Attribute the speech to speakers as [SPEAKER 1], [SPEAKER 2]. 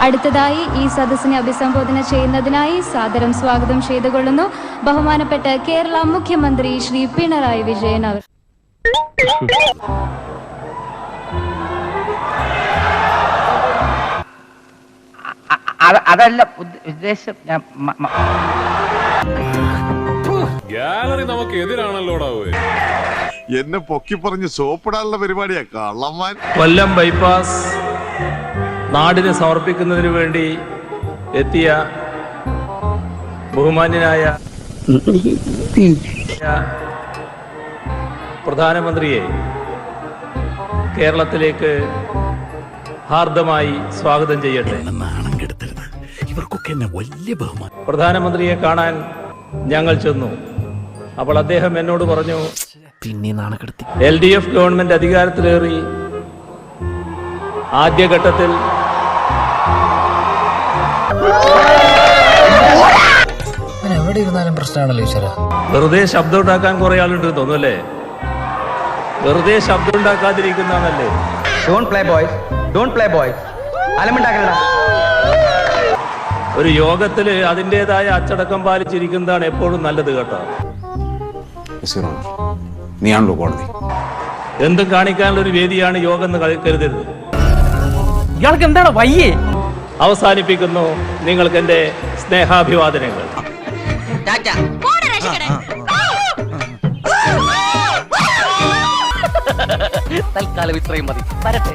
[SPEAKER 1] അടുത്തതായി ഈ സദസ്സിനെ അഭിസംബോധന ചെയ്യുന്നതിനായി സാദരം സ്വാഗതം ചെയ്തുകൊള്ളുന്നു ബഹുമാനപ്പെട്ട കേരള മുഖ്യമന്ത്രി ശ്രീ പിണറായി വിജയൻ അവർ.
[SPEAKER 2] അതല്ല ഉദ്ദേശം.
[SPEAKER 3] ഗാലറി നമുക്ക് എതിരാണല്ലോടാ.
[SPEAKER 4] എന്നെ പൊക്കി പറഞ്ഞ് സോപ്പിടാനുള്ള പരിപാടിയാ കള്ളന്മാർ.
[SPEAKER 5] കൊല്ലം ബൈപ്പാസ് നാടിന് സമർപ്പിക്കുന്നതിന് വേണ്ടി എത്തിയ ബഹുമാന്യനായ പ്രധാനമന്ത്രിയെ കേരളത്തിലേക്ക് ഹാർദമായി സ്വാഗതം ചെയ്യട്ടെ.
[SPEAKER 6] ഇവർക്കൊക്കെ എന്നെ വലിയ ബഹുമാനം.
[SPEAKER 5] പ്രധാനമന്ത്രിയെ കാണാൻ ഞങ്ങൾ ചെന്നു. അപ്പോൾ അദ്ദേഹം എന്നോട് പറഞ്ഞു,
[SPEAKER 6] പിന്നെ നാണക്കെടുത്തി
[SPEAKER 5] LDF ഗവൺമെന്റ് അധികാരത്തിലേറി ആദ്യഘട്ടത്തിൽ
[SPEAKER 7] എവിടെ ഇരുന്നാലും പ്രശ്നമാണല്ലോ ഈശ്വര.
[SPEAKER 5] വെറുതെ ശബ്ദം ഉണ്ടാക്കാൻ കുറെ ആളുണ്ട് തോന്നുന്നല്ലേ? വെറുതെ ശബ്ദം ഉണ്ടാക്കാതിരിക്കുന്നതാണല്ലേ? ഒരു യോഗത്തില് അതിൻ്റെതായ അച്ചടക്കം പാലിച്ചിരിക്കുന്നതാണ് എപ്പോഴും നല്ലത് കേട്ടോ.
[SPEAKER 8] നീയാണല്ലോ കോടതി.
[SPEAKER 5] എന്തും കാണിക്കാനുള്ള ഒരു വേദിയാണ് യോഗം എന്ന് കരുതരുത്.
[SPEAKER 2] ഇയാൾക്ക് എന്താണ് വയ്യേ?
[SPEAKER 5] അവസാനിപ്പിക്കുന്നു നിങ്ങൾക്ക് എന്റെ സ്നേഹാഭിവാദനങ്ങൾ.
[SPEAKER 2] തൽക്കാലം ഇത്രയും മതി.